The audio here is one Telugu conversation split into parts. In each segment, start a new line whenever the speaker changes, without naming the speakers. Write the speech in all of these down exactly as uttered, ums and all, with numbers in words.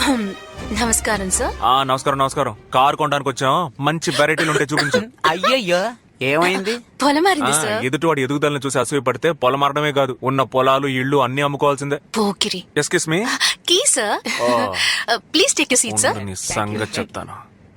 నమస్కారం సార్.
ఆ నమస్కారం నమస్కారం. కార్ కొనడానికి వచ్చాం, మంచి వెరైటీలు ఉంటే చూపించు.
అయ్యయ్యో ఏమైంది?
పొలం మారింది సార్.
ఎదుటివాడి ఎదుగుదలను చూసి అసూయ పడితే పొలం మారడమే కాదు, ఉన్న పొలాలు ఇళ్ళు అన్ని అమ్ముకోవాల్సిందే.
పోకిరి.
Excuse me.
Key sir. Please take your seat sir.
నీ సంగతి చెప్తాను.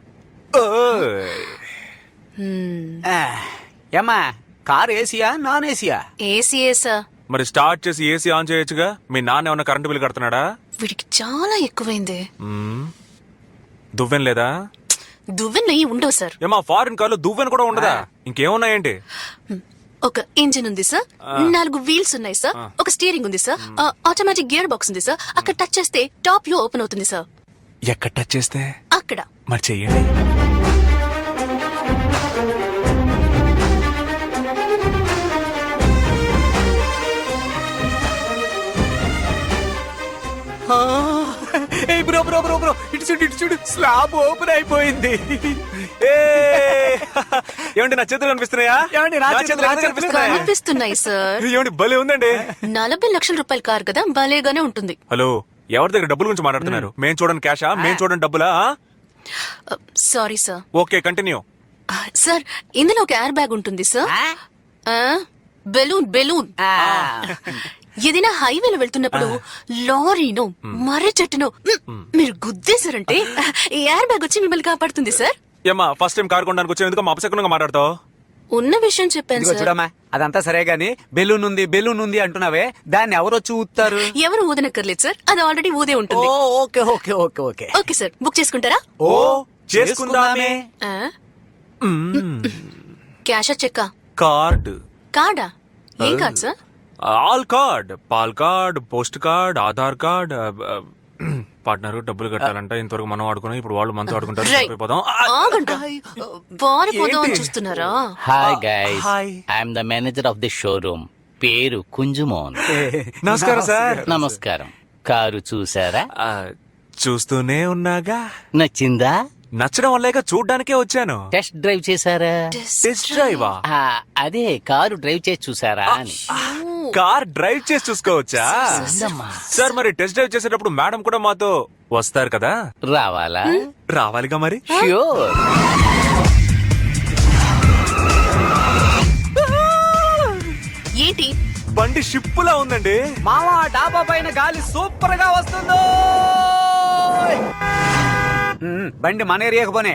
ఏమ్మా కార్ ఏసీయా నాన్ ఏసీయా?
ఏసీఏ సార్.
మరి స్టార్ట్ చేసి ఏసీ ఆన్ చేయొచ్చుగా. మీ నాన్న ఏమన్నా కరెంటు బిల్ కడుతున్నాడా?
వీడికి చాలా ఎక్కువైంది.
మ్మ్. దువ్వెన లేదా?
దువ్వెన ఉండవు సార్.
ఏమా ఫారిన్ కార్లో దువ్వెన కూడా ఉండదా? ఇంకేమున్నాయేంటి?
ఒక ఇంజిన్ ఉంది సార్, నాలుగు వీల్స్ ఉన్నాయి సార్, ఒక స్టీరింగ్ ఉంది సార్, ఆటోమేటిక్ గేర్ బాక్స్ ఉంది సార్. అక్కడ టచ్ చేస్తే టాప్ వ్యూ ఓపెన్ అవుతుంది సార్.
ఎక్కడ టచ్ చేస్తే?
అక్కడ.
మరి చెయ్యండి.
బ్రో బ్రో బ్రో బ్రో ఇటు చూడు ఇటు చూడు, స్లాబ్ ఓపెన్ అయిపోయింది.
ఏమండి నా చేతులు కనిపిస్తున్నాయా?
ఏమండి నా చేతులు కనిపిస్తున్నాయా?
కనిపిస్తున్నాయి సార్.
ఏమండి భలే ఉందండి.
నలభై లక్షల రూపాయల కార్ కదా, భలేగానే ఉంటుంది.
హలో, ఎవరి దగ్గర డబ్బుల గురించి మాట్లాడుతున్నారు? మేం చూడండి క్యాషా, మేం చూడండి డబ్బులా?
Sorry sir.
Okay continue.
Sir ఇందులో ఒక ఎయిర్ బ్యాగ్ ఉంటుంది సార్. బెలూన్ బెలూన్ ఏదైనా హైవేలో వెళ్తున్నప్పుడు లారీనో మర్రి చెట్టునో మీరు గుద్దేశారంటే ఈ ఎయిర్ బ్యాగ్ వచ్చి మిమ్మల్ని కాపాడుతుంది సార్.
ఏమా ఫస్ట్ టైం కార్ కొనడానికి వచ్చే ఎందుకు అపశకునంగా మాట్లాడతావు?
ఉన్న విషయం చెప్పాను సార్.
చూడమ్మా అదంతా సరే గాని బెలూన్ ఉంది బెలూన్ ఉంది అంటున్నావే, దాన్ని ఎవరు వచ్చి ఊతారు?
ఎవరు ఊదనక్కర్లేదు సార్, అది ఆల్రెడీ ఊదే ఉంటుంది.
Okay okay okay okay
okay sir, book చేసుకుంటారా?
ఓ చేసుకుందామే.
క్యాషా చెక్కా?
కార్డ్.
కార్డా? ఏం card sir?
All card, pal card, post card, Aadhaar card. Partner డబ్బులు కట్టాలంట, ఇంతవరకు మనం ఆడుకున్నాం, ఇప్పుడు వాళ్ళు మనతో ఆడుకుంటారు.
చూస్తున్నారా?
Hi guys, I'm the manager of the showroom. పేరు కుంజుమోన్.
నమస్కారం సార్.
నమస్కారం. కారు చూసారా?
చూస్తూనే ఉన్నాగా.
నచ్చిందా?
నచ్చడం వల్లేక చూడ్డానికే వచ్చాను.
టెస్ట్ డ్రైవ్ చేశారా?
టెస్ట్ డ్రైవా?
అదే కారు డ్రైవ్ చేసి చూసారా అని.
కార్ డ్రైవ్ చేసి చూసుకోవచ్చా సార్? మరి టెస్ట్ డ్రైవ్ చేసేటప్పుడు మేడం కూడా మాతో వస్తారు కదా?
రావాలా?
రావాలిగా మరి.
ష్యూర్.
ఏంటి
బండి షిప్పులా ఉందండి.
మావా డాబా పైన గాలి సూపర్ గా వస్తుందో. బండి మన ఏరియాకు పోనే.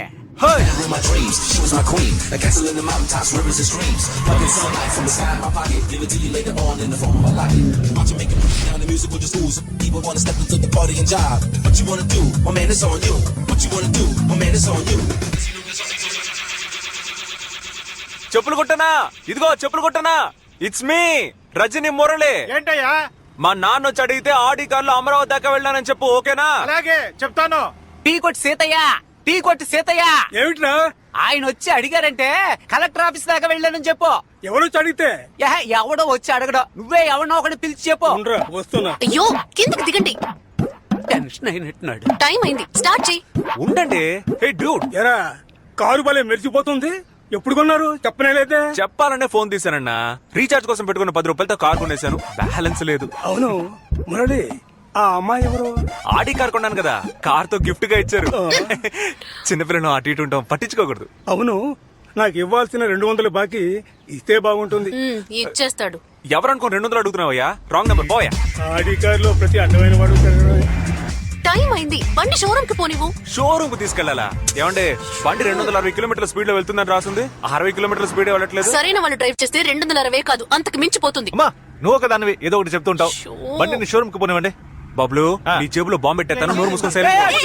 చెప్పులు కొట్టనా? ఇదిగో చెప్పులు కొట్టనా. It's me Rajini Murali.
ఏంటయ్యా?
మా నాన్న వచ్చి అడిగితే ఆడి కార్లో అమరావతి దాకా వెళ్ళానని చెప్పు. ఓకేనా?
అలాగే చెప్తాను.
టీ కొట్టి సీతయ్య, టీ కొట్టి సీతయ్య.
ఏమిట్రా?
ఆయన వచ్చి అడిగారంటే కలెక్టర్ ఆఫీస్ దాకా వెళ్ళానని చెప్పు.
ఎవరు అడిగితే?
ఎవడో వచ్చి అడగడం, నువ్వే ఎవరినో ఒకటి పిలిచి చెప్పు.
వస్తున్నా.
అయ్యో కిందకి దిగండి.
టెన్షన్ అయినట్టున్నాడు.
టైం అయింది, స్టార్ట్ చేయి.
ఉండండి. హే డ్యూడ్,
ఎరా కారు భలే మెరిసిపోతుంది. ఎప్పుడు కొన్నారు? చెప్పనే లేదే.
చెప్పాలనే ఫోన్ తీసానన్నా. రీఛార్జ్ కోసం పెట్టుకున్న పది రూపాయలతో కార్ కొనేశాను, బ్యాలెన్స్ లేదు.
అవును మురళి, ఆ అమ్మాయి ఎవరు?
ఆడి కార్ కొన్నాను కదా, కార్ తో గిఫ్ట్ గా ఇచ్చారు. చిన్నపిల్లలు అటు ఇటు ఉంటాం, పట్టించుకోకూడదు.
అవును, నాకు ఇవ్వాల్సిన రెండు వందలు బాకీ ఇస్తే బాగుంటుంది.
ఇచ్చేస్తాడు.
ఎవరనుకో రెండు వందలు అడుగుతున్నావయ్యా? రాంగ్ నెంబర్ పోయా.
ఆడి కారులో ప్రతి అడ్డమైన వాడు.
టైం అయింది, బండి షోరూమ్ కి పోనివ్వు.
షోరూమ్ కు తీసుకెళ్లాలా? ఏమంటే బండి రెండు వందల అరవై కిలోమీటర్ల స్పీడ్ లో వెళ్తుందని రాసింది, అరవై కిలోమీటర్ల స్పీడ్ వెళ్ళట్లేదు.
సరైన వాళ్ళు డ్రైవ్ చేస్తే రెండు వందల అరవై కాదు, అంతకు మించిపోతుంది.
అమ్మా నువ్వు ఒక దానివి ఏదో ఒకటి చెప్తుంటావు. బండిని షోరూమ్ కు పోనివ్వండి. బాబులు నీ జేబులో బాంబు పెట్టేస్తాను, నోరు మూసుకొని సైలెంట్.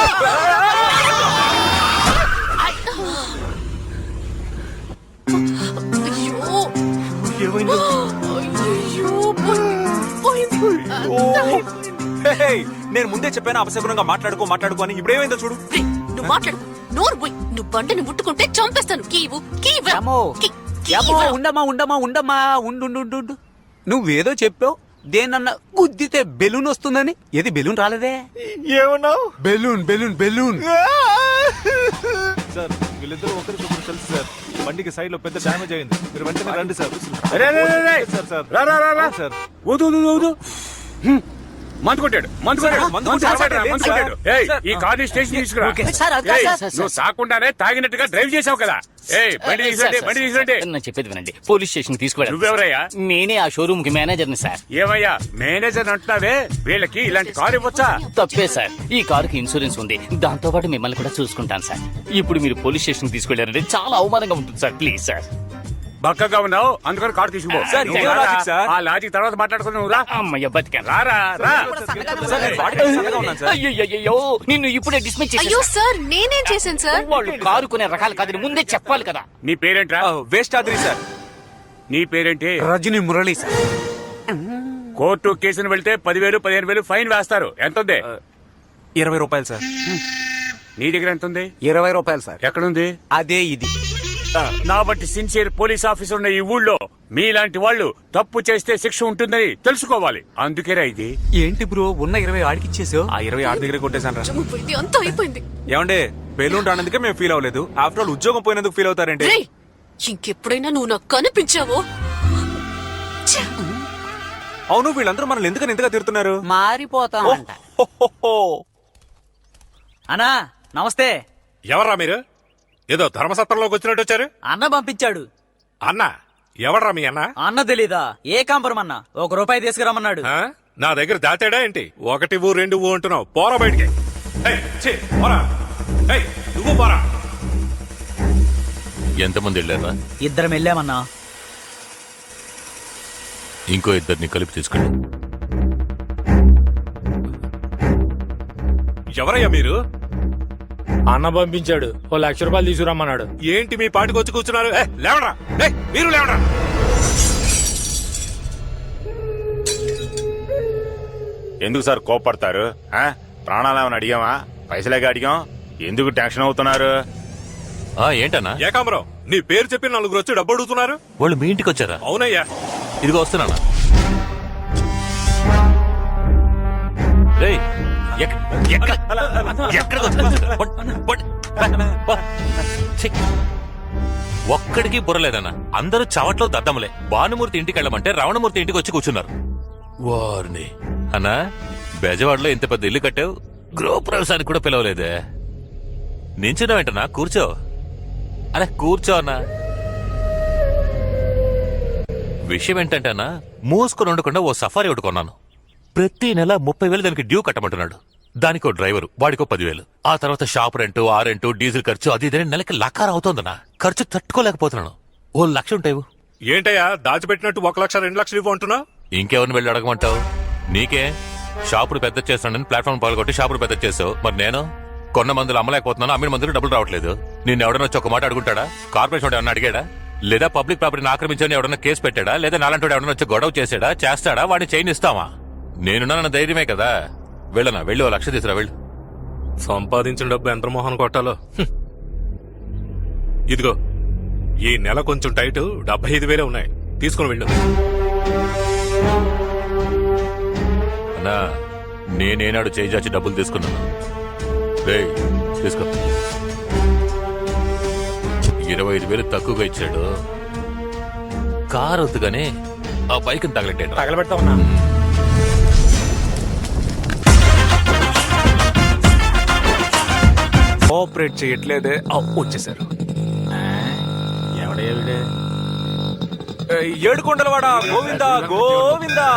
నేను ముందే చెప్పాను అపశకునంగా మాట్లాడుకో మాట్లాడుకో అని. ఇప్పుడు ఏమైందో చూడు.
నువ్వు మాట్లాడు, నోరు పోయి. నువ్వు బండిని ముట్టుకుంటే చంపేస్తాను. కీవు
ఉండమా ఉండమా ఉండమా ఉండు. నువ్వేదో చెప్పావు, దేనన్నా గుద్దితే బెలూన్ వస్తుందని. ఏది బెలూన్ రాలేదే?
ఏమన్నావు?
Balloon balloon balloon.
సార్ వీళ్ళిద్దరూ ఒకరికొకరు తెలుసు సార్. బండికి సైడ్ లో పెద్ద డ్యామేజ్ అయింది, మీరు వెంటనే రండి సార్.
సార్ సార్ రా రా రా సార్. ఊదు ఊదు ఊదు.
మందు కొట్టాడు మందు కొట్టాడు
మందు
మందు
కొట్టాడు,
కొట్టాడు, మందు
సార్.
కొట్టాడు. ఏయ్,
సార్.
ఈ కార్ స్టేషన్ తీసుకురా
సార్, అది కాదు,
ఏయ్,
సార్, సార్,
నువ్వు తాకుండానే తాగినట్టుగా డ్రైవ్ చేసావు కదా. ఏయ్ బండి
సార్,
తీసుకుంటే
సార్,
బండి
సార్,
తీసుకుంటే
నేను చెప్పేది వినండి. పోలీస్ స్టేషన్ తీసుకువెళ్ళండి.
నువ్వెవరయ్యా?
నేనే ఆ షోరూమ్ కి మేనేజర్ని సార్.
ఏమయ్యా మేనేజర్ అంటున్నావే, వీళ్ళకి ఇలాంటి కారు ఇవ్వచ్చా?
తప్పే సార్, ఈ కారుకి ఇన్సూరెన్స్ ఉంది, దాంతో పాటు మిమ్మల్ని కూడా చూసుకుంటాను సార్. ఇప్పుడు మీరు పోలీస్ స్టేషన్ తీసుకెళ్లారంటే చాలా అవమానంగా ఉంటుంది సార్. Please sir.
బక్కగా ఉన్నావు అందుకని కారు తీసుకుపో.
సార్,
నువ్వు
ఇదే
రారా?
Logic sir.
ఆ లాజిక్ తర్వాత మాట్లాడుకుని నువ్వు రా.
అమ్మయ్య బతికాను.
రారా రా.
సార్, నేను బాడీ సన్నగా ఉన్నాను సార్.
అయ్యో నిన్ను ఇప్పుడే డిస్మిస్
అయ్యో
చేసి
సార్ నేనేం చేశాను సార్?
వాళ్ళు కారు కొనే రకాలు కాదని ముందే చెప్పాలి కదా.
నీ పేరేంట్రా?
ఆ, వేస్ట్ ఆదిరి సార్.
నీ పేరేంటి?
రజనీ మురళి సార్.
కోర్టు కేసును వెళ్తే పదివేలు పదిహేను వేలు ఫైన్ వేస్తారు. ఎంత ఉంది?
ఇరవై రూపాయలు సార్.
నీ దగ్గర ఎంత ఉంది?
ఇరవై రూపాయలు సార్.
ఎక్కడుంది?
అదే ఇది.
నా బట్టి సిన్సియర్ పోలీస్ ఆఫీసర్ ఉన్న ఈ ఊళ్ళో మీలాంటి వాళ్ళు తప్పు చేస్తే శిక్ష ఉంటుందని తెలుసుకోవాలి. అందుకేరా ఇది.
ఏంటి బ్రో ఉన్న ఇరవై ఆడికిచ్చేసావు?
ఆ ఇరవై ఆరు దగ్గర కొట్టేశాను రా.
పోయింది అంతా అయిపోయింది.
ఏమండే బెలూన్ రానందుకే మేము ఫీల్ అవ్వలేదు. ఆఫ్టర్ ఆల్ ఉద్యోగం పోయినందుకు ఫీల్ అవుతారండి.
రేయ్, ఇంకెప్పుడైనా నువ్వు నాకు కనిపించావో ఛ!
అవును, వీళ్ళందరూ మనల్ని ఎందుకని ఇంతగా తిడుతున్నారు?
మారిపోతామంట.
అన్నా నమస్తే.
ఎవర్రా మీరు? ఏదో ధర్మసత్రంలోకి వచ్చినట్టు వచ్చారు.
అన్న పంపించాడు.
అన్న ఎవడ్రా మీ అన్న?
అన్న తెలీదా? ఏ కాంపరం అన్న ఒక రూపాయి తీసుకురమ్మన్నాడు.
ఆ? నా దగ్గర దాచాడా ఏంటి? ఒకటి ఊ రెండు ఊ అంటున్నావు. పోరా బయటికి. ఏయ్, ఛీ, పోరా. ఏయ్, నువ్వు పోరా.
ఎంతమంది వెళ్ళారా?
ఇద్దరం వెళ్ళామన్నా.
ఇంకో ఇద్దరిని కలిపి తీసుకెళ్ళి.
ఎవరయ్యా మీరు?
అన్న పంపించాడు, ఓ లక్ష రూపాయలు తీసుకురమ్మన్నాడు.
ఏంటి మీ పాటికి వచ్చి కూర్చున్నారు? ఏయ్, లేవరా. ఏయ్, మీరు లేవరా.
ఎందుకు సార్ కోపడతారు? ఆ? ప్రాణాలు ఏమైనా అడిగామా? పైసలేగా అడిగాం. ఎందుకు టెన్షన్ అవుతున్నారు?
ఆ ఏంటన్నా?
ఏకాంబరం, నీ పేరు చెప్పి నలుగురు వచ్చి డబ్బు అడుగుతున్నారు.
వాళ్ళు మీ ఇంటికి వచ్చారా?
అవునయ్యా.
ఇదిగో వస్తున్నానా. రేయ్, ఎక్క- ఎక్కడ ఎక్కడికి వచ్చి కూర్చున్నారు? పడ్- పడ్- ప- ఛీ. ఒక్కడికి బుర్రలేదన్నా. అందరూ చవట్లో దద్దములే. భానుమూర్తి ఇంటికి వెళ్ళమంటే రావణమూర్తి ఇంటికి వచ్చి కూర్చున్నారు. వారిని అన్నా, బెజవాడలో ఇంత పెద్ద ఇల్లు కట్టావు, గృహప్రవేశానికి కూడా పిలవలేదే. నించున్నావేంటన్నా? కూర్చో. అరే కూర్చో అన్నా. విషయం ఏంటంటే అన్నా, మూసుకొని ఉండకుండా ఓ సఫారీ ఒకటి కొన్నాను. ప్రతి నెల ముప్పై వేలు దానికి డ్యూ కట్టమంటున్నాడు. దానికో డ్రైవరు, వాడికో పదివేలు. ఆ తర్వాత షాప్ రెంటు, ఆ రెంటు, డీజిల్ ఖర్చు, అది ఇదే నెలకి లకార అవుతోందన్నా. ఖర్చు తట్టుకోలేకపోతున్నాను. ఓ లక్ష ఉంటాయి.
ఏంటయ్యా దాచిపెట్టినట్టు ఒక లక్ష రెండు లక్షలు ఇవ్వు అంటున్నా?
ఇంకెవరిని వెళ్ళి అడగమంటావు? నీకే షాపుడు పెద్ద చేస్తానని ప్లాట్ఫామ్ పాల్గొట్టి షాపుడు పెద్ద చేసావు. మరి నేను కొన్న మందులు అమ్మలేకపోతున్నాను, అమ్మిన మందులు డబ్బులు రావట్లేదు. నిన్ను ఎవడన్నా వచ్చి ఒక మాట అడుగుంటాడా? కార్పొరేషన్ ఎవడన్నా అడిగాడా? లేదా పబ్లిక్ ప్రాపర్టీని ఆక్రమించని ఎవడన్నా కేసు పెట్టాడా? లేదా నాలంటి ఎవడన్నా వచ్చి గొడవ చేసాడా? చేస్తాడా? వాడిని చైన్ ఇస్తావా? నేనున్నా ధైర్యమే కదా. వెళ్ళనా? వెళ్ళి ఓ లక్ష తీసురా. వెళ్ళు.
సంపాదించిన డబ్బు ఎంత మోహన్ కొట్టాలో. హ్మ్. ఇదిగో ఈ నెల కొంచెం టైట్, డెబ్బై ఐదు వేలే ఉన్నాయి. తీసుకుని వెళ్ళు.
అన్నా, నేనేనాడు చేయి చాచి డబ్బులు తీసుకున్నాను. రేయ్, తీసుకో. ఇరవై ఐదు వేలు తక్కువగా ఇచ్చాడు. కారు వద్దుగానే ఆ బైక్ తగలెట్టాడు.
తగలబెడతా ఉన్నా.
కోఆపరేట్ చేయట్లేదే. ఆ, వచ్చేసారు. ఏయ్, ఏడుకొండలవాడ గోవిందా గోవిందా.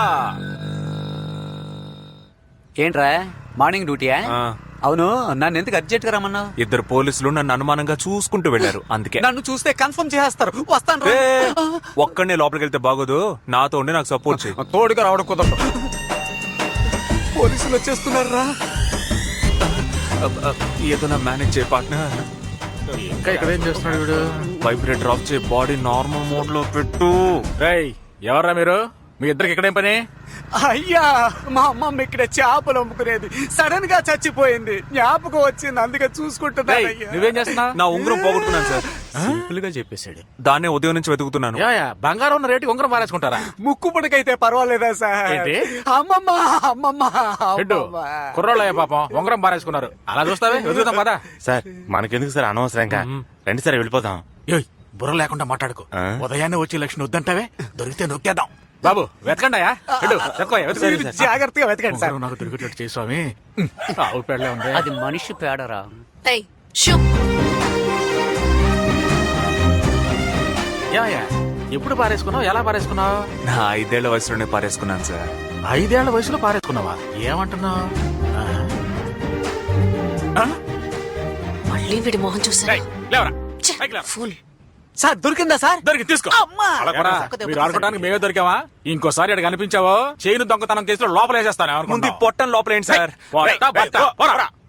ఏంట్రా మార్నింగ్ డ్యూటీయా?
ఆ,
అవును, నన్ను ఎందుకు అర్జెంట్ గా రమ్మన్నావు?
ఇద్దరు పోలీసులు నన్ను అనుమానంగా చూసుకుంటూ వెళ్లారు, అందుకే.
నన్ను చూస్తే కన్ఫర్మ్ చేస్తారు. వస్తాను రా.
ఏ, ఒక్కడనే లోపలికి వెళ్తే బాగోదు. నాతో ఉండి నాకు సపోర్ట్ చేయి.
తోడుగా రావడం కుదరదు. పోలీసులు వచ్చేస్తున్నారు రా.
ఏదో నా మేనేజ్ చేయ పార్ట్నర్.
ఇంకా ఇక్కడ ఏం చేస్తున్నాడు వీడు?
వైబ్రేటర్ ఆఫ్ చేయి, బాడీ నార్మల్ మోడ్ లో పెట్టు.
రేయ్, ఎవర్రా మీరు? మీ ఇద్దరికి ఇక్కడేం పని?
అయ్యా, మా అమ్మమ్మ ఇక్కడ చేపలు అమ్ముకునేది, సడన్ గా చచ్చిపోయింది. జ్ఞాపకం వచ్చింది, అందుకే చూసుకుంటున్నా.
రేయ్, నువ్వేం చేస్తున్నావు?
నా ఉంగరం పోగొట్టుకున్నాను సార్.
సింపుల్ గా చెప్పేశాడు.
దాన్నే ఉదయం నుంచి వెతుకుతున్నాను.
ఏమయ్యా, బంగారం ఉన్న రేటుకి ఉంగరం పారేసుకుంటారా?
ముక్కు పుడకైతే పర్వాలేదా సార్?
ఏంటి?
అమ్మమ్మ అమ్మమ్మ
హెడ్డు,
అమ్మమ్మ.
కుర్రోళ్ళయ్య పాపం ఉంగరం పారేసుకున్నారు. అలా చూస్తావే, వెతుకుతాం పదా.
సార్ మనకెందుకు సార్ అనవసరంగా? రండి సార్ వెళ్ళిపోతాం.
ఏయ్, బుర్ర లేకుండా మాట్లాడుకో.
ఆ?
ఉదయాన్నే వచ్చి లక్ష్మి వద్దంటావే, దొరికితే నొక్కేద్దాం. బాబు వెతకండి అయ్యా వెళ్ళు, వెతకో, వెతకండి.
జాగ్రత్తగా వెతకండి సార్.
ఎవరో నాకు దొరికేటట్టు చేయి స్వామి. ఆవు పేడలే ఉంది.
అది మనిషి పేడరా.
ఏయ్ షూ
ఏమయ్యా ఎప్పుడు పారేసుకున్నావు, ఎలా పారేసుకున్నావు?
నా ఐదేళ్ల వయసులోనే పారేసుకున్నాను సార్.
ఐదేళ్ల వయసులో పారేసుకున్నావా? ఏమంటున్నావు?
మళ్ళీ వీడి మొహం చూసా
ఏయ్, లేవరా పైకి లేవరా.
ఫుల్
సార్ దొరికిందా సార్?
దొరికి తీసుకో.
అలా కూడా మీరు ఆడుకోవడానికి మేమే దొరికావా? ఇంకోసారి అక్కడ కనిపించావో చేయను దొంగతనం కేసులో లోపల వేసేస్తాను.
ముందు ఈ పొట్టం లోపల ఏంటి సార్?
పొట్ట, బట్ట, పోరా.